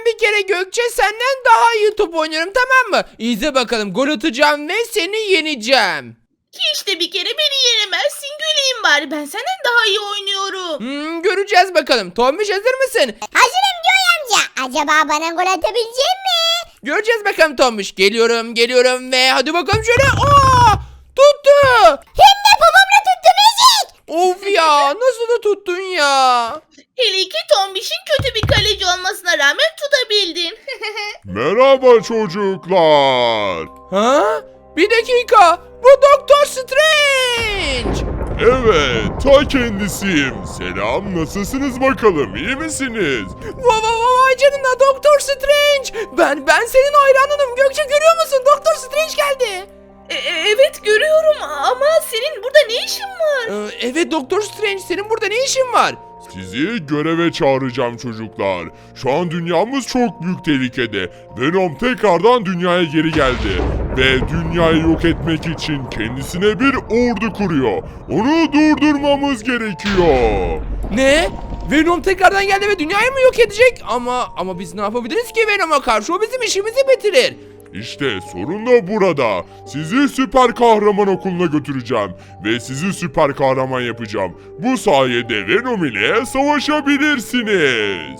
ben bir kere Gökçe senden daha iyi top oynuyorum, tamam mı? İzle bakalım, gol atacağım ve seni yeneceğim. Ki işte bir kere beni yenemezsin. Güleyim bari. Ben senden daha iyi oynuyorum. Göreceğiz bakalım. Tombiş, hazır mısın? Hazırım Joy amca. Acaba bana gol atabilecek mi? Göreceğiz bakalım Tombiş. Geliyorum ve hadi bakalım şöyle. Aa! Tuttu. Hem de babamla tuttum ezik. Of ya, nasıl da tuttun ya? Hele ki Tombiş'in kötü bir kaleci olmasına rağmen tutabildin. Merhaba çocuklar. Ha? Bir dakika. Bu Doktor Strange. Evet, ta kendisiyim. Selam, nasılsınız bakalım, iyi misiniz? Vay canına, Doktor Strange. Ben senin hayranınım. Gökçe, görüyor musun? Doktor Strange geldi. Evet görüyorum ama senin burada ne işin var? Evet Doktor Strange, senin burada ne işin var? Sizi göreve çağıracağım çocuklar. Şu an dünyamız çok büyük tehlikede. Venom tekrardan dünyaya geri geldi. Ve dünyayı yok etmek için kendisine bir ordu kuruyor. Onu durdurmamız gerekiyor. Ne? Venom tekrardan geldi ve dünyayı mı yok edecek? Ama biz ne yapabiliriz ki Venom'a karşı? O bizim işimizi bitirir. İşte sorun da burada. Sizi süper kahraman okuluna götüreceğim. Ve sizi süper kahraman yapacağım. Bu sayede Venom ile savaşabilirsiniz.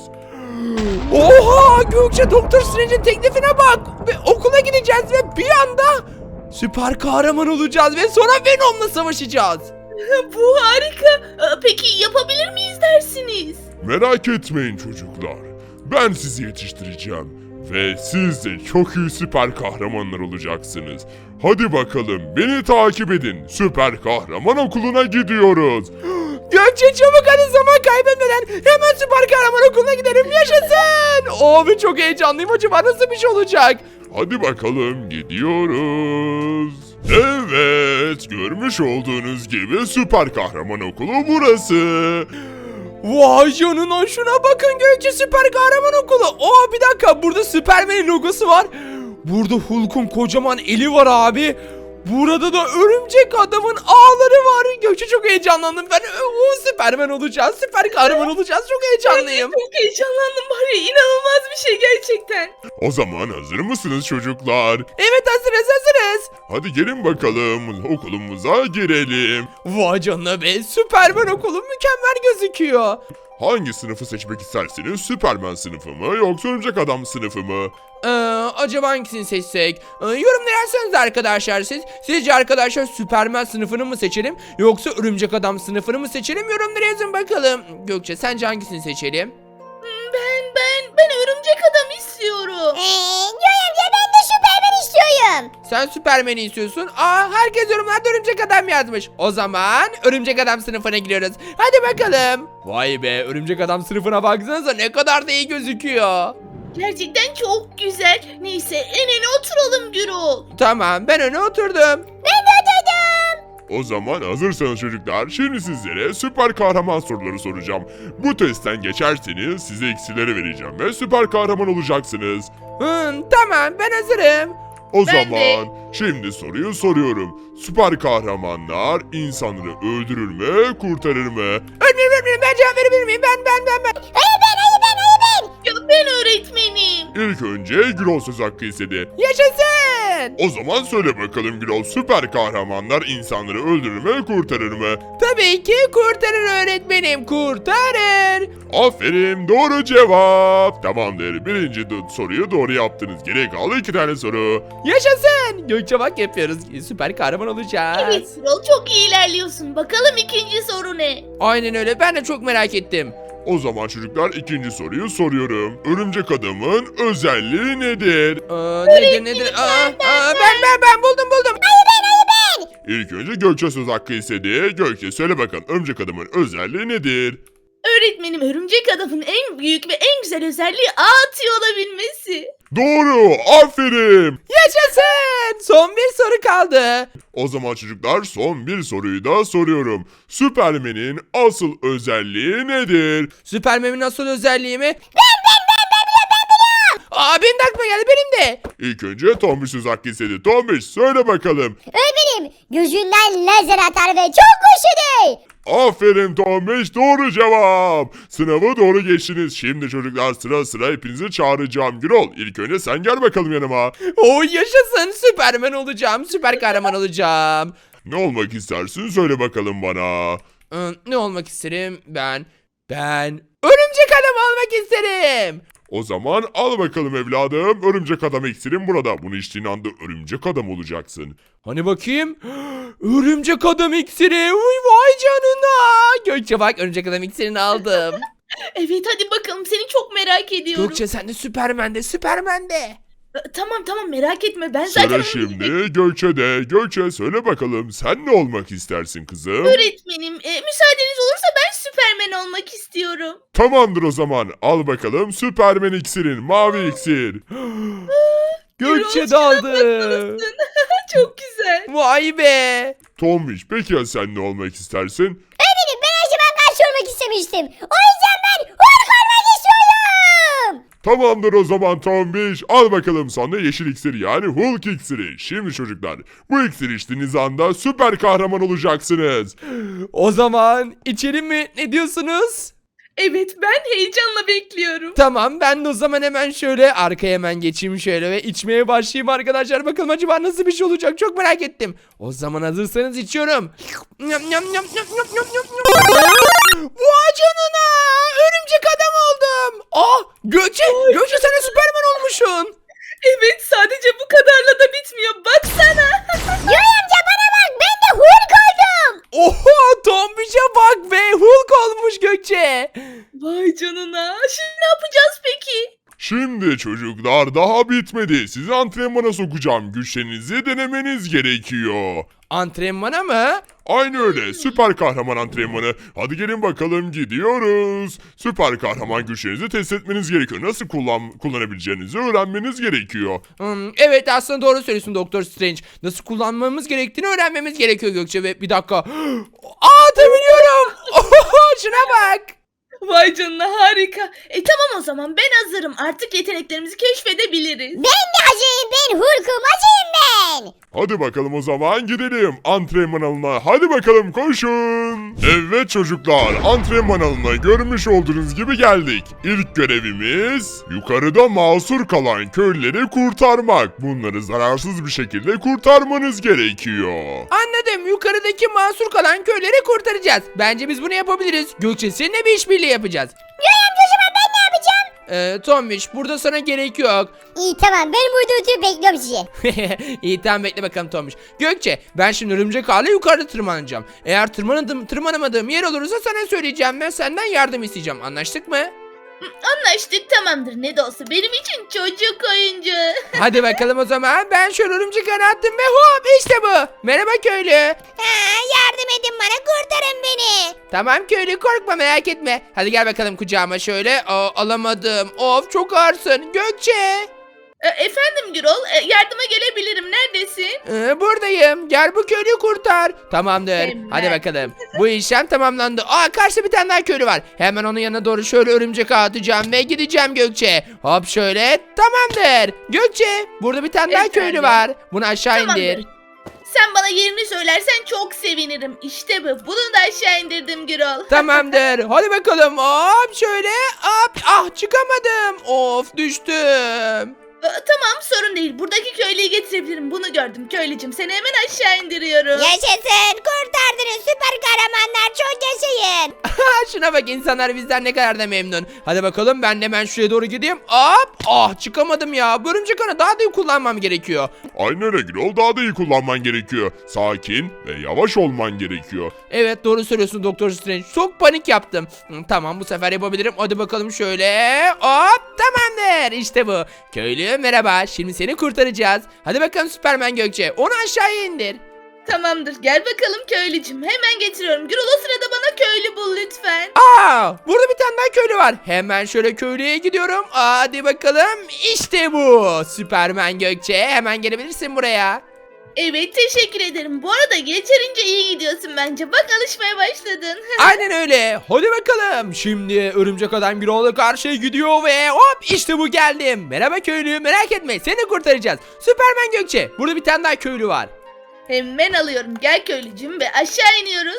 Oha! Gökçe, Doktor Strange'in teklifine bak. Ve okula gideceğiz ve bir anda süper kahraman olacağız ve sonra Venom'la savaşacağız. Bu harika. Peki yapabilir miyiz dersiniz? Merak etmeyin çocuklar. Ben sizi yetiştireceğim. Ve siz de çok iyi süper kahramanlar olacaksınız. Hadi bakalım, beni takip edin. Süper kahraman okuluna gidiyoruz. Gökçe, çabuk hadi, zaman kaybetmeden hemen süper kahraman okuluna gidelim, yaşasın. Abi çok heyecanlıyım, acaba nasıl bir şey olacak? Hadi bakalım, gidiyoruz. Evet, görmüş olduğunuz gibi süper kahraman okulu burası. Vay canına, şuna bakın Gökçe, süper kahraman okulu. Bir dakika, burada Superman'in logosu var. Burada Hulk'un kocaman eli var abi. Burada da örümcek adamın ağları var. Gökçe, çok heyecanlandım. Ben Superman olacağız. Süper kahraman olacağız. Çok heyecanlıyım. Çok heyecanlandım var ya, inanılmaz bir şey gerçekten. O zaman hazır mısınız çocuklar? Evet, hazırız. Hadi gelin bakalım, okulumuza girelim. Vay canına be, Superman okulu mükemmel gözüküyor. Hangi sınıfı seçmek istersiniz? Süperman sınıfı mı yoksa örümcek adam sınıfı mı? Acaba hangisini seçsek? Yorumlara yazsanız arkadaşlar siz. Sizce arkadaşlar Superman sınıfını mı seçelim yoksa örümcek adam sınıfını mı seçelim? Yorumlara yazın bakalım. Gökçe, sence hangisini seçelim? Ben örümcek adam istiyorum. Joy amca ben de Süpermen istiyorum. Sen Superman'i istiyorsun. Herkes yorumlarda örümcek adam yazmış. O zaman örümcek adam sınıfına giriyoruz. Hadi bakalım. Vay be, örümcek adam sınıfına baksanıza, ne kadar da iyi gözüküyor. Gerçekten çok güzel. Neyse en öne oturalım Gürol. Tamam, ben öne oturdum. O zaman hazırsanız çocuklar, şimdi sizlere süper kahraman soruları soracağım. Bu testten geçerseniz size iksirleri vereceğim ve süper kahraman olacaksınız. Tamam, ben hazırım. O Ben zaman şimdi soruyu soruyorum. Süper kahramanlar insanları öldürür mü, kurtarır mı? Öğretmenim, ben cevap verebilir miyim? Ben. Hayır ben. Ya ben öğretmenim. İlk önce Gürol söz hakkı istedi. Yaşasın. O zaman söyle bakalım Gürol, süper kahramanlar insanları öldürür mü, kurtarır mı? Tabii ki kurtarır öğretmenim, kurtarır. Aferin, doğru cevap. Tamamdır, birinci soruyu doğru yaptınız. Geriye kaldı 2 tane soru. Yaşasın. Gökçe bak, yapıyoruz. Süper kahraman olacağız. Evet Gürol, çok iyi ilerliyorsun. Bakalım ikinci soru ne? Aynen öyle, ben de çok merak ettim. O zaman çocuklar ikinci soruyu soruyorum. Örümcek adamın özelliği nedir? Nedir? Ben buldum. İlk önce Gökçe söz hakkı istedi. Gökçe söyle bakalım, örümcek adamın özelliği nedir? Öğretmenim, örümcek adamın en büyük ve en güzel özelliği ağ atıyor olabilmesi. Doğru, aferin. Yaşasın. Son bir soru kaldı. O zaman çocuklar son bir soruyu da soruyorum. Süpermen'in asıl özelliği nedir? Süpermen'in asıl özelliği mi? Ben. Benim de aklıma geldi, benim de. İlk önce Tombiş söz hakkı istedi. Tombiş söyle bakalım. Öğretmenim gözünden lazer atar ve çok güçlüdür. Aferin Tombiş, doğru cevap. Sınavı doğru geçtiniz. Şimdi çocuklar sıra sıra hepinizi çağıracağım. Gürol ilk önce sen gel bakalım yanıma. Yaşasın, Süpermen olacağım, süper kahraman olacağım. Ne olmak istersin söyle bakalım bana. Ne olmak isterim ben örümcek adam olmak isterim. O zaman al bakalım evladım. Örümcek adam iksirin burada. Bunu içtiğin anda örümcek adam olacaksın. Hani bakayım. Örümcek adam iksiri. Uy, vay canına. Gökçe bak, örümcek adam iksirini aldım. Evet hadi bakalım, seni çok merak ediyorum. Gökçe sen de Süpermen de. Tamam merak etme, ben zaten Sıra onu şimdi Gökçe'de. Gökçe söyle bakalım sen ne olmak istersin kızım? öğretmenim. Müsaadeniz olursa ben Süpermen olmak istiyorum. Tamamdır o zaman. Al bakalım Süpermen iksirin. Mavi iksir. Gökçe de aldı. Çok güzel. Vay be. Tombiş peki ya sen ne olmak istersin? Öğretmenim ben her zaman karşı olmak istemiştim. O yüzden ben Hulk olmak istiyorum. Tamamdır o zaman Tombiş. Al bakalım sana yeşil iksiri yani Hulk iksiri. Şimdi çocuklar bu iksiri içtiğiniz anda süper kahraman olacaksınız. O zaman içelim mi? Ne diyorsunuz? Evet, ben heyecanla bekliyorum. Tamam, ben de o zaman hemen şöyle arkaya hemen geçeyim şöyle ve içmeye başlayayım arkadaşlar. Bakalım acaba nasıl bir şey olacak, çok merak ettim. O zaman hazırsanız içiyorum. Vay canına, örümcek adam oldum. Gökçe sen de Süperman olmuşsun. Evet, sadece bu kadarla da bitmiyor. Baksana. Yoy amca bana bak, ben de Hulk oldum. Oha, Tombiş'e bak be, Hulk olmuş Gökçe. Vay canına. Şimdi ne yapacağız peki? Şimdi çocuklar daha bitmedi. Sizi antrenmana sokacağım. Güçlerinizi denemeniz gerekiyor. Antrenmana mı? Aynı öyle. Süper kahraman antrenmanı. Hadi gelin bakalım gidiyoruz. Süper kahraman güçlerinizi test etmeniz gerekiyor. Nasıl kullanabileceğinizi öğrenmeniz gerekiyor. Evet, aslında doğru söylüyorsun Doktor Strange. Nasıl kullanmamız gerektiğini öğrenmemiz gerekiyor Gökçe ve bir dakika. Atabiliyorum. Şuna bak. Vay canına, harika. Tamam o zaman, ben hazırım. Artık yeteneklerimizi keşfedebiliriz. Ben de hazırım, ben Hulk'um, hazırım ben. Hadi bakalım o zaman gidelim antrenman alanına. Hadi bakalım koşun. Evet çocuklar antrenman alanına görmüş olduğunuz gibi geldik. İlk görevimiz yukarıda mahsur kalan köylüleri kurtarmak. Bunları zararsız bir şekilde kurtarmanız gerekiyor. Anladım. Yukarıdaki mahsur kalan köyleri kurtaracağız. Bence biz bunu yapabiliriz. Gökçe, seninle bir işbirliği yapacağız. Yoy amca o zaman ben ne yapacağım? Tombiş, burada sana gerek yok. İyi tamam, ben burada oturup bekliyorum sizi. İyi, tamam, bekle bakalım Tombiş. Gökçe, ben şimdi örümcek ağıyla yukarıda tırmanacağım. Eğer tırmanamadığım yer olursa sana söyleyeceğim ve senden yardım isteyeceğim. Anlaştık mı? Anlaştık, tamamdır. Ne de olsa benim için çocuk oyuncağı. Hadi bakalım o zaman. Ben şöyle örümcek ağını attım ve hop, işte bu. Merhaba köylü. Yardım edin bana, kurtarın beni. Tamam köylü, korkma, merak etme. Hadi gel bakalım kucağıma şöyle. Alamadım. Of, çok ağırsın. Gökçe. Efendim Gürol, yardıma gelebilirim. Neredesin? Buradayım. Gel bu köylüyü kurtar. Tamamdır. Hemen. Hadi bakalım. Bu işlem tamamlandı. Karşıda bir tane daha köylü var. Hemen onun yanına doğru şöyle örümcek ağı atacağım ve gideceğim Gökçe. Hop şöyle. Tamamdır. Gökçe, burada bir tane daha köylü Efendim? var. Bunu aşağı Tamamdır. indir. Sen bana yerini söylersen çok sevinirim. İşte bu. Bunu da aşağı indirdim Gürol. Tamamdır. Hadi bakalım. Hop şöyle. Hop. Çıkamadım. Of, düştüm. Tamam, sorun değil. Buradaki köylüyü getirebilirim. Bunu gördüm köylücüm. Seni hemen aşağı indiriyorum. Yaşasın, kurtardınız süper kahramanlar, çok yaşayın. Şuna bak, insanlar bizden ne kadar da memnun. Hadi bakalım, ben de hemen şuraya doğru gideyim. Hop. Çıkamadım ya. Bu örümcek ağını daha da iyi kullanmam gerekiyor. Aynı öyle Gürol daha da iyi kullanman gerekiyor. Sakin ve yavaş olman gerekiyor. Evet, doğru söylüyorsun Doktor Strange. Çok panik yaptım. Tamam, bu sefer yapabilirim. Hadi bakalım şöyle. Hop, tamamdır. İşte bu. Köylü merhaba. Şimdi seni kurtaracağız. Hadi bakalım Süpermen Gökçe. Onu aşağıya indir. Tamamdır. Gel bakalım köylücüm. Hemen getiriyorum. Gürol, o sırada bana köylü bul lütfen. Burada bir tane daha köylü var. Hemen şöyle köylüye gidiyorum. Hadi bakalım. İşte bu. Süpermen Gökçe. Hemen gelebilirsin buraya. Evet, teşekkür ederim. Bu arada yeterince iyi gidiyorsun bence. Bak, alışmaya başladın. Aynen öyle. Hadi bakalım. Şimdi örümcek adam Gürol'a karşıya gidiyor ve hop işte bu geldim. Merhaba köylü, merak etme seni kurtaracağız. Süpermen Gökçe. Burada bir tane daha köylü var. Hemen alıyorum. Gel köylücüm ve aşağı iniyoruz.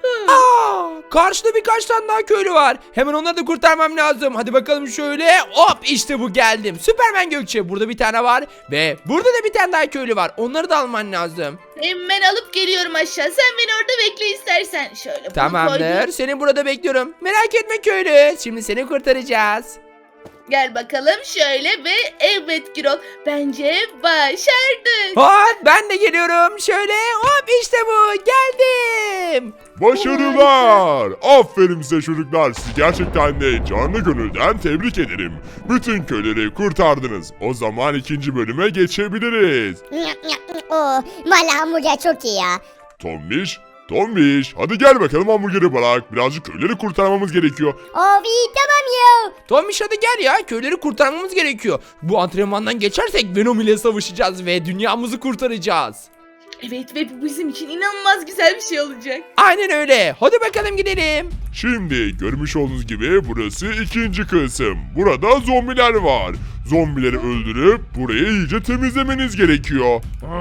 Karşıda birkaç tane daha köylü var. Hemen onları da kurtarmam lazım. Hadi bakalım şöyle. Hop işte bu geldim. Süpermen Gökçe. Burada bir tane var. Ve burada da bir tane daha köylü var. Onları da alman lazım. Hemen alıp geliyorum aşağı. Sen beni orada bekle istersen. Şöyle bunu Tamamdır. koydum. Seni burada bekliyorum. Merak etme köylü. Şimdi seni kurtaracağız. Gel bakalım şöyle ve evet Gürol. Bence başardık. Hop ben de geliyorum. Şöyle hop işte bu. Geldim. Başarılar! Aferin size çocuklar. Sizi gerçekten de canlı gönülden tebrik ederim. Bütün köyleri kurtardınız. O zaman ikinci bölüme geçebiliriz. Valla hamburger çok iyi ya. Tombiş, hadi gel bakalım hamburgeri bırak. Birazcık köyleri kurtarmamız gerekiyor. Of iyi tamam ya. Tomiş hadi gel ya. Köyleri kurtarmamız gerekiyor. Bu antrenmandan geçersek Venom ile savaşacağız ve dünyamızı kurtaracağız. Evet ve bu bizim için inanılmaz güzel bir şey olacak. Aynen öyle. Hadi bakalım gidelim. Şimdi görmüş olduğunuz gibi burası ikinci kısım. Burada zombiler var. Zombileri öldürüp burayı iyice temizlemeniz gerekiyor.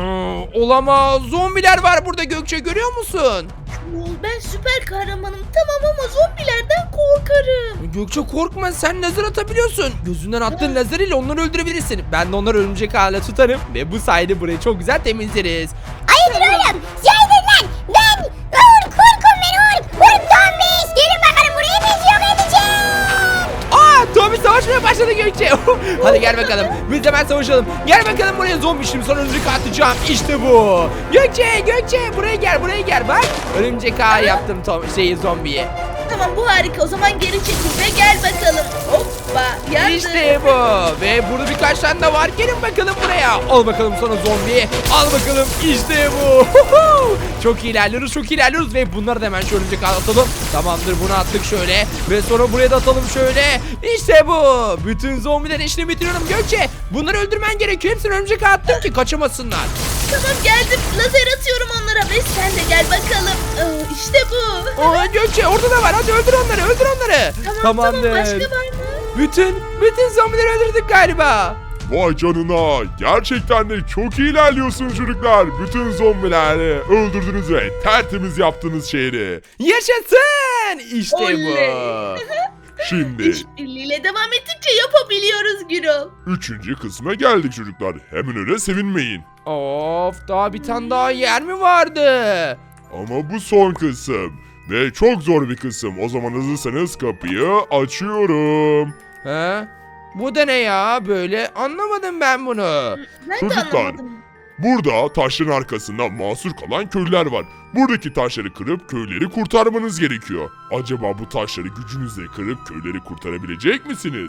Olamaz. Zombiler var burada Gökçe görüyor musun? Ben süper kahramanım tamam ama zombilerden korkarım. Gökçe korkma sen lazer atabiliyorsun. Gözünden attığın lazer ile onları öldürebilirsin. Ben de onları örümcek hale tutarım ve bu sayede burayı çok güzel temizleriz. Hayırdır oğlum? Yaydın lan. Ben korkum ben Urk Tombiş. Gelin bakalım burayı biz yok edeceğim. Tommy savaşmaya başladı Gökçe. Hadi gel bakalım. Biz hemen savaşalım. Gel bakalım buraya zombi şimdi sana örümcek ağı atacağım. İşte bu. Gökçe buraya gel bak. Örümcek ağı yaptım zombiye. Tamam bu harika o zaman geri çekil ve gel bakalım. Hoppa yandı. İşte bu. Ve burada birkaç tane de var. Gelin bakalım buraya. Al bakalım sana zombi. Al bakalım. İşte bu. Çok iyi ilerliyoruz ve bunları da hemen şu örümcek ağı atalım. Tamamdır bunu attık şöyle. Ve sonra buraya da atalım şöyle. İşte bu. Bütün zombilerin işini bitiriyorum Gökçe. Bunları öldürmen gerekiyor. Hepsini örümcek ağı attım ki kaçamasınlar. Tamam geldim lazer atıyorum onlara ve sen de gel bakalım. İşte bu. Gökçe orada da var. Hadi öldür onları. Tamam başka var mı? Bütün zombileri öldürdük galiba. Vay canına, gerçekten de çok iyi ilerliyorsunuz çocuklar. Bütün zombileri öldürdünüz ve tertemiz yaptınız şehri. Yaşasın. İşte Oley. bu. Şimdi İşbirliğiyle devam ettikçe yapabiliyoruz Gürol. 3. kısma geldik çocuklar. Hemen öyle sevinmeyin. Of daha bir tane daha yer mi vardı? Ama bu son kısım. Ve çok zor bir kısım. O zaman hazırsanız kapıyı açıyorum. He? Bu da ne ya böyle anlamadım ben bunu. Ben de Çocuklar. anlamadım. Burada taşların arkasında mahsur kalan köylüler var. Buradaki taşları kırıp köyleri kurtarmanız gerekiyor. Acaba bu taşları gücünüzle kırıp köyleri kurtarabilecek misiniz?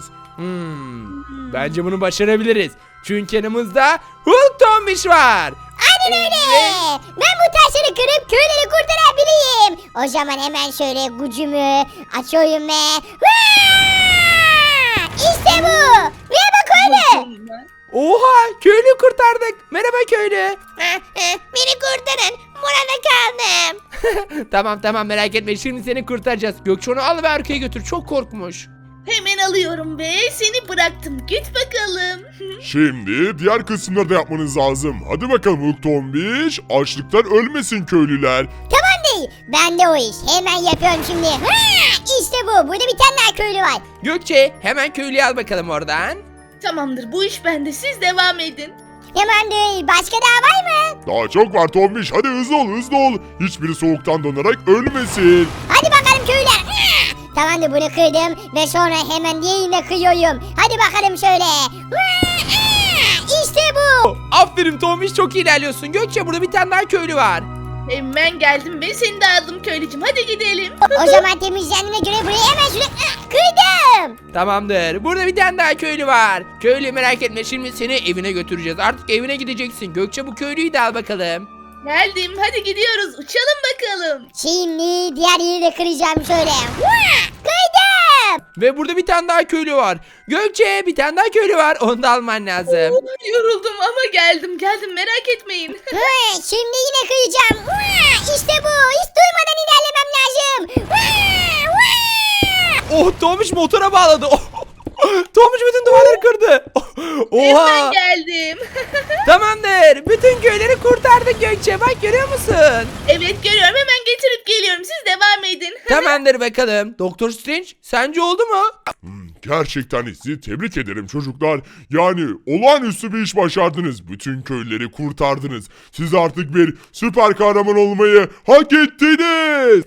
Bence bunu başarabiliriz. Çünkü yanımızda Hulk Tombiş var. Aynen öyle. Ben bu taşları kırıp köyleri kurtarabileyim. O zaman hemen şöyle gücümü açıyorum ve... İşte bu. Ve bak öyle. Oha köylü kurtardık. Merhaba köylü. Beni kurtarın. Burada kaldım. Tamam merak etme şimdi seni kurtaracağız. Gökçe onu al ve arkaya götür çok korkmuş. Hemen alıyorum ve seni bıraktım. Git bakalım. Şimdi diğer kısımları da yapmanız lazım. Hadi bakalım Hulk Tombiş. Açlıktan ölmesin köylüler. Tamam değil. Ben de o iş. Hemen yapıyorum şimdi. İşte bu. Burada bir tane daha köylü var. Gökçe hemen köylüyü al bakalım oradan. Tamamdır bu iş bende siz devam edin. Tamam değil. Başka daha var mı? Daha çok var Tombiş. Hadi hızlı ol. Hiçbiri soğuktan donarak ölmesin. Hadi bakalım köylüler. Tamamdır bunu kırdım ve sonra hemen diğerini de kıyıyorum. Hadi bakalım şöyle. İşte bu. Aferin Tombiş çok iyi ilerliyorsun. Gökçe burada bir tane daha köylü var. Hemen geldim ve seni de aldım köylücüm. Hadi gidelim. O zaman temizlendiğine göre burayı hemen şöyle kırdım. Tamamdır. Burada bir tane daha köylü var. Köylü merak etme şimdi seni evine götüreceğiz. Artık evine gideceksin. Gökçe bu köylüyü de al bakalım. Geldim hadi gidiyoruz uçalım bakalım. Şimdi diğer yeri de kıracağım şöyle. Kırdım. Ve burada bir tane daha köylü var. Gökçe bir tane daha köylü var. Onu da alman lazım. Yoruldum ama geldim merak etmeyin. Şimdi yine kıyacağım. İşte bu. Hiç durmadan ilerlemem lazım. Oh Tomuş motora bağladı. Tomuş bütün duvarları kırdı. Oha. Hemen geldim. Tamamdır. Bütün köyleri kurtardık Gökçe. Bak görüyor musun? Evet görüyorum hemen getirip geliyorum siz devam edin. Tamamdır bakalım. Doktor Strange sence oldu mu? Gerçekten sizi tebrik ederim çocuklar. Yani olağanüstü bir iş başardınız. Bütün köyleri kurtardınız. Siz artık bir süper kahraman olmayı hak ettiniz.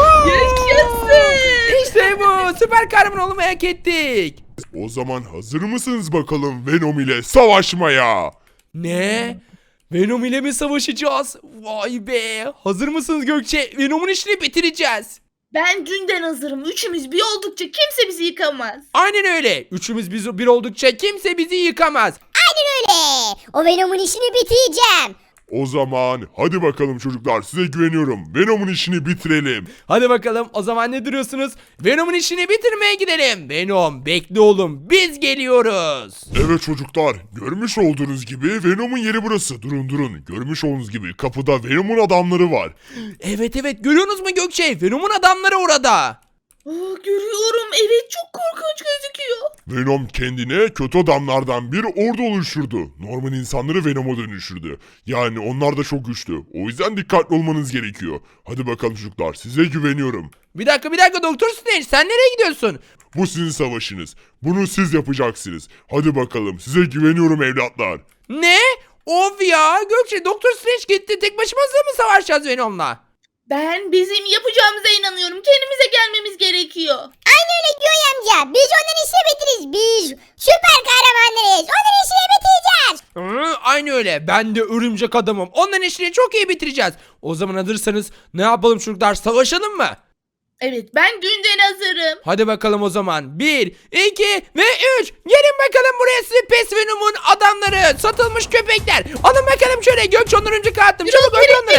Yaşasın. İşte bu. Süper kahraman olmayı hak ettik. O zaman hazır mısınız bakalım Venom ile savaşmaya? Ne? Venom ile mi savaşacağız? Vay be. Hazır mısınız Gökçe? Venom'un işini bitireceğiz. Ben dünden hazırım. Üçümüz bir oldukça kimse bizi yıkamaz. Aynen öyle. Üçümüz biz bir oldukça kimse bizi yıkamaz. Aynen öyle. O Venom'un işini bitireceğim. O zaman hadi bakalım çocuklar, size güveniyorum. Venom'un işini bitirelim. Hadi bakalım o zaman ne duruyorsunuz? Venom'un işini bitirmeye gidelim. Venom bekle oğlum biz geliyoruz. Evet çocuklar, görmüş olduğunuz gibi Venom'un yeri burası. Durun. Görmüş olduğunuz gibi kapıda Venom'un adamları var. Evet görüyorsunuz mu Gökçe? Venom'un adamları orada. Görüyorum evet çok korkunç gözüküyor. Venom kendine kötü adamlardan bir ordu oluşturdu. Normal insanları Venom'a dönüştürdü. Yani onlar da çok güçlü. O yüzden dikkatli olmanız gerekiyor. Hadi bakalım çocuklar, size güveniyorum. Bir dakika Doktor Strange sen nereye gidiyorsun? Bu sizin savaşınız. Bunu siz yapacaksınız. Hadi bakalım, size güveniyorum evlatlar. Ne? Of ya Gökçe Doktor Strange gitti. Tek başımıza mı savaşacağız Venom'la? Ben bizim yapacağımıza inanıyorum. Kendimize gelmemiz gerekiyor. Aynen öyle Göğe amca. Biz onların işini bitiririz. Biz süper kahramanlarız. Onların işini bitireceğiz. Aynı öyle. Ben de örümcek adamım. Onların işini çok iyi bitireceğiz. O zaman hazırsanız ne yapalım çocuklar? Savaşalım mı? Evet ben dünden hazırım. Hadi bakalım o zaman. 1, 2 ve 3. Gelin bakalım buraya size Pes Venom'un adamları. Satılmış köpekler. Alın bakalım şöyle. Gökçe onları önce attım. Çabuk öldür onları.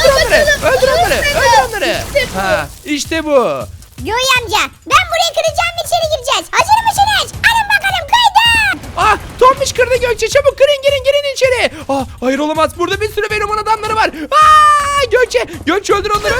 Öldür onları. Ha, işte bu. Göğe amca ben burayı kıracağım ve içeri gireceğiz. Hazır mısınız? Alın bakalım kırdım. Ah Tombiş kırdı Gökçe. Çabuk girin içeri. Ah hayır olamaz. Burada bir sürü Venom'un adamları var. Gökçe öldür onları.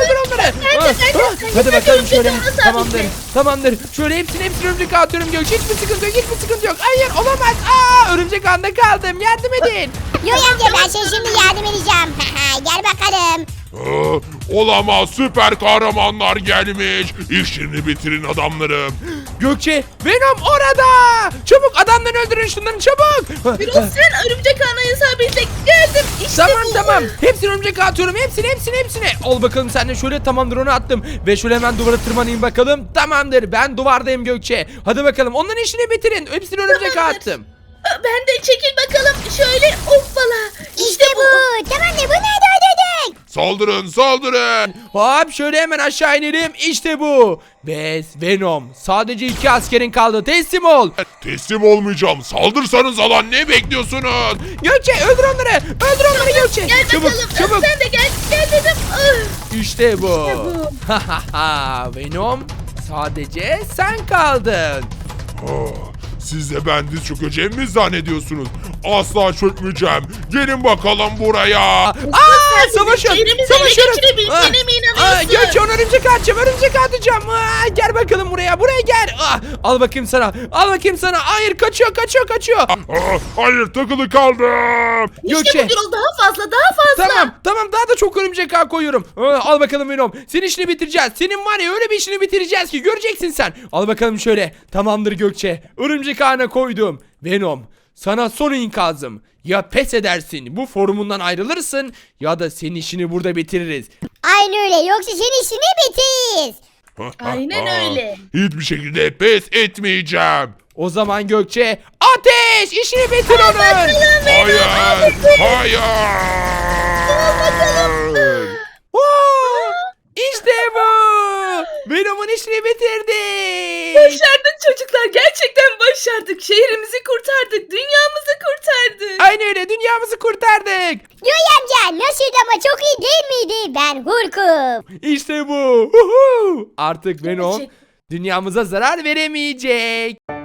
Hadi bakalım şöyle. Tamamdır. Şöyle hepsini örümcek atıyorum Gökçe. Hiçbir sıkıntı yok. Hayır olamaz. Örümcek ağında kaldım. Yardım edin. Göğe amca ben sana şimdi yardım edeceğim. Gel bakalım. Olamaz, süper kahramanlar gelmiş. İşini bitirin adamlarım. Gökçe Venom orada. Çabuk adamları öldürün şunları çabuk. Biraz sen örümcek ağına isabetle geldim. İşte bu. Tamam. Hepsini örümcek atıyorum. Hepsini. Al bakalım sen de şöyle tamamdır onu attım. Ve şöyle hemen duvara tırmanayım bakalım. Tamamdır ben duvardayım Gökçe. Hadi bakalım onların işini bitirin. Hepsini örümcek attım. Ben de çekil bakalım. Şöyle hoppala. İşte bu. Tamamdır bunları da öldürdük. Saldırın. Hop şöyle hemen aşağı inelim. İşte bu. Ve Venom. Sadece 2 askerin kaldı. Teslim ol. Teslim olmayacağım. Saldırsanız alan, ne bekliyorsunuz? Gökçe öldür onları. Gökçe. Gel bakalım. Çabuk. Sen de gel dedim. İşte bu. İşte bu. Venom sadece sen kaldın. Siz de ben diz çökeceğimi mi zannediyorsunuz? Asla çökmeyeceğim. Gelin bakalım buraya. Savaşın. Elimizi ele geçirebileceğine mi inanıyorsun? Gökçe onu örümcek atacağım. Gel bakalım buraya gel. Al bakayım sana. Hayır kaçıyor. Hayır, takılı kaldım. İşte Gökçe. bu Gürol daha fazla. Tamam daha da çok örümcek ağ koyuyorum. Al bakalım Venom. Senin işini bitireceğiz. Senin var ya öyle bir işini bitireceğiz ki göreceksin sen. Al bakalım şöyle. Tamamdır Gökçe. Örümcek ağına koydum. Venom sana son ikazım. Ya pes edersin bu forumundan ayrılırsın ya da senin işini burada bitiririz. Aynen öyle yoksa senin işini bitiririz. Aynen öyle. Hiçbir şekilde pes etmeyeceğim. O zaman Gökçe ateş işini bitir onun. Hayır. İşte bu. Venom'un işini bitirdik. Başardık çocuklar. Gerçekten başardık. Şehrimizi kurtardık. Dünyamızı kurtardık. Aynı öyle dünyamızı kurtardık. Göğe amca nasıldı ama çok iyi değil miydi? Ben Hulk'um. İşte bu. Huhu. Artık Venom Gerçek- dünyamıza zarar veremeyecek.